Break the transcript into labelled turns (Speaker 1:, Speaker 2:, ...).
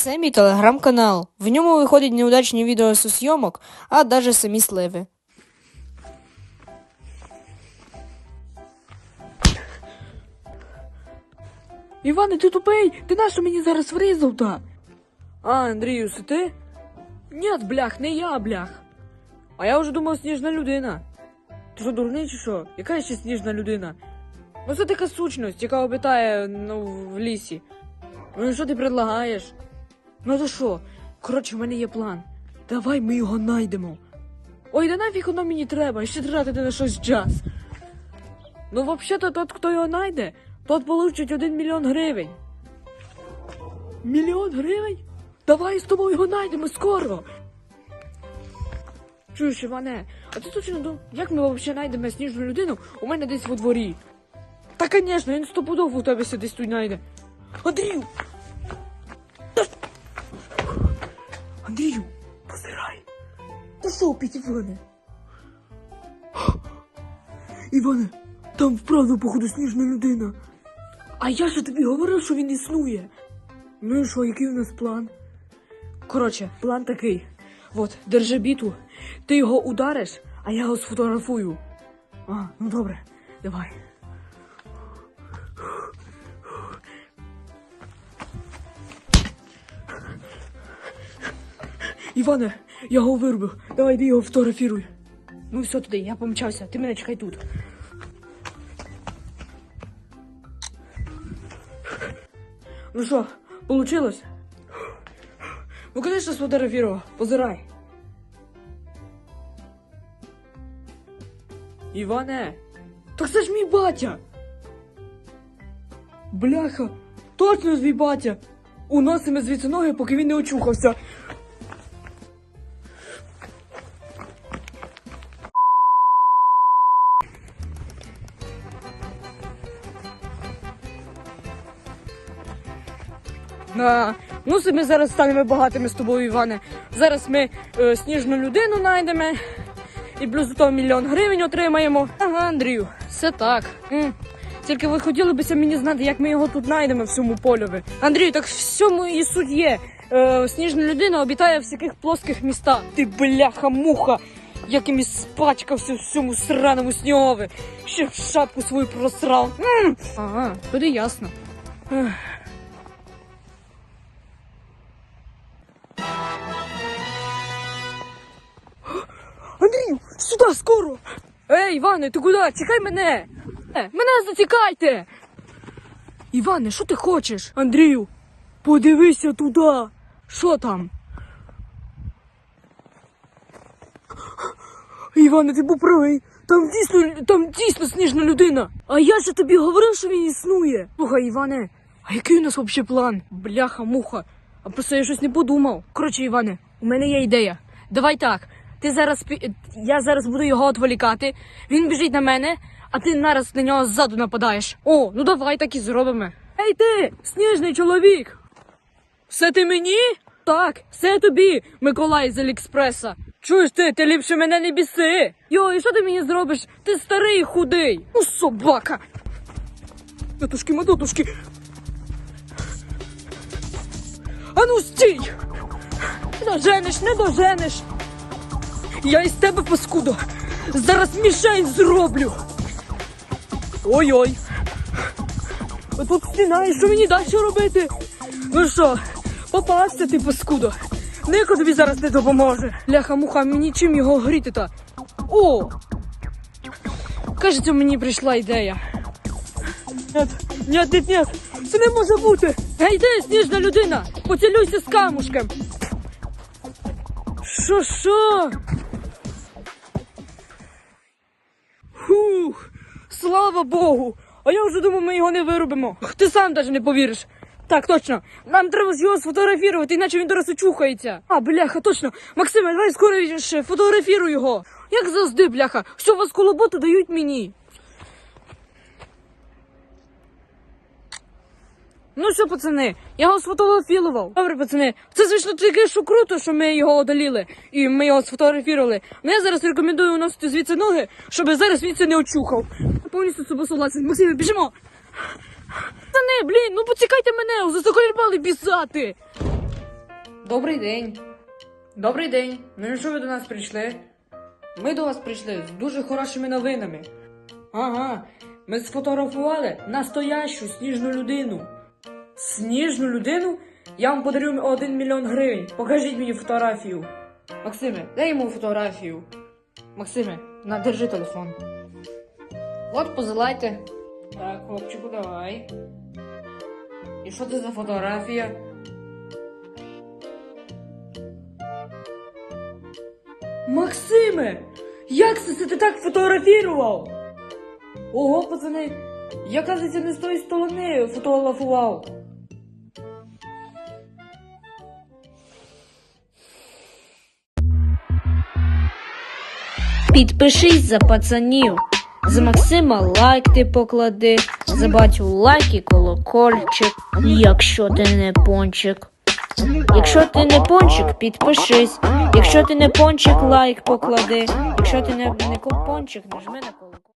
Speaker 1: Це мій телеграм-канал. В ньому виходять неудачні відео зі зйомок, а навіть самі сливи.
Speaker 2: Іване, ти тупий! Ти нащо мені зараз врізав-то? А, Андрію, це ти? Ні, блях, не я, блях. А я вже думав, сніжна людина. Ти що, дурний чи що? Яка ще сніжна людина? Ну це така сущність, яка обитає, в лісі. Ну і що ти предлагаєш? Ну то що? Коротше, в мене є план. Давай ми його найдемо. Ой, да нафіг воно мені треба, ще тратити на щось час. Ну, взагалі-то, тот, хто його найде, тот получить 1 мільйон гривень. Мільйон гривень? Давай з тобою його найдемо скоро. Чуєш, Іване, а ти точно думав, як ми взагалі знайдемо сніжну людину у мене десь во дворі? Та, звісно, він стопудово у тебе десь тут знайде. Андрію! Андрію, позирай. Та що опять, Іване? Іване, там вправду, походу, сніжна людина. А я ж тобі говорив, що він існує. Ну і що, який у нас план? Коротше, план такий. От, держи біту, ти його удариш, а я його сфотографую. А, ну добре, давай. Іване, я його вирубив. Давай, йди його фотографіруй. Ну все туди, я помчався, ти мене чекай тут. Ну що, получилось? Ну, конечно, сфотографировал. Позирай. Іване, так це ж мій батя. Бляха, точно ж мій батя. Уносимо звідси ноги, поки він не очухався. Ну, ми зараз станемо багатими з тобою, Іване. Зараз ми сніжну людину знайдемо і плюс до того 1 мільйон гривень отримаємо. Ага, Андрію, все так. Тільки ви хотіли б мені знати, як ми його тут знайдемо в цьому польові. Андрію, так в цьому і суть є. Сніжна людина обітає в всяких плоских містах. Ти бляха-муха, яким і спачкався в цьому сраному снігові. Ще шапку свою просрав. Ага, тоді ясно. Андрію, сюди, скоро! Ей, Іване, ти куди? Чекай мене! Мене зацікайте! Іване, що ти хочеш? Андрію, подивися туди! Що там? Іване, ти був правий! Там дійсно сніжна людина! А я ж тобі говорив, що він існує! Слухай, Іване, а який у нас взагалі план? Бляха-муха! А просто я щось не подумав. Коротше, Іване, у мене є ідея. Давай так. Я зараз буду його відволікати, він біжить на мене, а ти нараз на нього ззаду нападаєш. О, ну давай так і зробимо. Ей ти, сніжний чоловік! Все ти мені? Так, все тобі, Миколай з Аліекспреса. Чуєш ти ліпше мене не біси. Йо, і що ти мені зробиш? Ти старий і худий. Ну, собака. Матушки. Ану, стій! Не доженеш. Я із тебе, паскудо, зараз мішень зроблю. Ой-ой. Тут стіна, і що мені далі робити? Ну що, попався ти, паскудо. Ніхто тобі зараз не допоможе. Ляха-муха, мені чим його гріти-то? О! Кажеться, мені прийшла ідея. Нет, це не може бути. Гей, ти, сніжна людина, поцілюйся з камушком. Що? Фух, слава Богу! А я вже думав, ми його не виробимо. Ти сам навіть не повіриш. Так, точно. Нам треба його сфотографувати, іначе він зараз очухається. А, бляха, точно. Максиме, давай скоріше, фотографіруй його. Як завжди, бляха, що вас колоботу дають мені. Ну що, пацани, я його сфотографував. Добре, пацани, це, звісно, таке, що круто, що ми його одоліли і ми його сфотографували. Але я зараз рекомендую уносити звідси ноги, щоб зараз він це не очухав. Повністю з собою согласен. Максиме, біжимо. Пацани, блін, ну поцікайте мене, заколібали бісати.
Speaker 1: Добрий день.
Speaker 2: Добрий день. Ну і що ви до нас прийшли?
Speaker 1: Ми до вас прийшли з дуже хорошими новинами.
Speaker 2: Ага, ми сфотографували настоящу сніжну людину. Сніжну людину? Я вам подарю 1 мільйон гривень. Покажіть мені фотографію.
Speaker 1: Максиме, дай йому фотографію. Максиме, держи телефон. От, позилайте.
Speaker 2: Так, хлопчику, давай. І що це за фотографія? Максиме! Як це ти так фотографував? Ого, пацани, я, кажеться, не з тої сторони фотографував.
Speaker 1: Підпишись за пацанів. За Максима лайк ти поклади, за батю лайк і колокольчик, якщо ти не пончик. Якщо ти не пончик, підпишись. Якщо ти не пончик, лайк поклади. Якщо ти не пончик, нажми на колокольчик.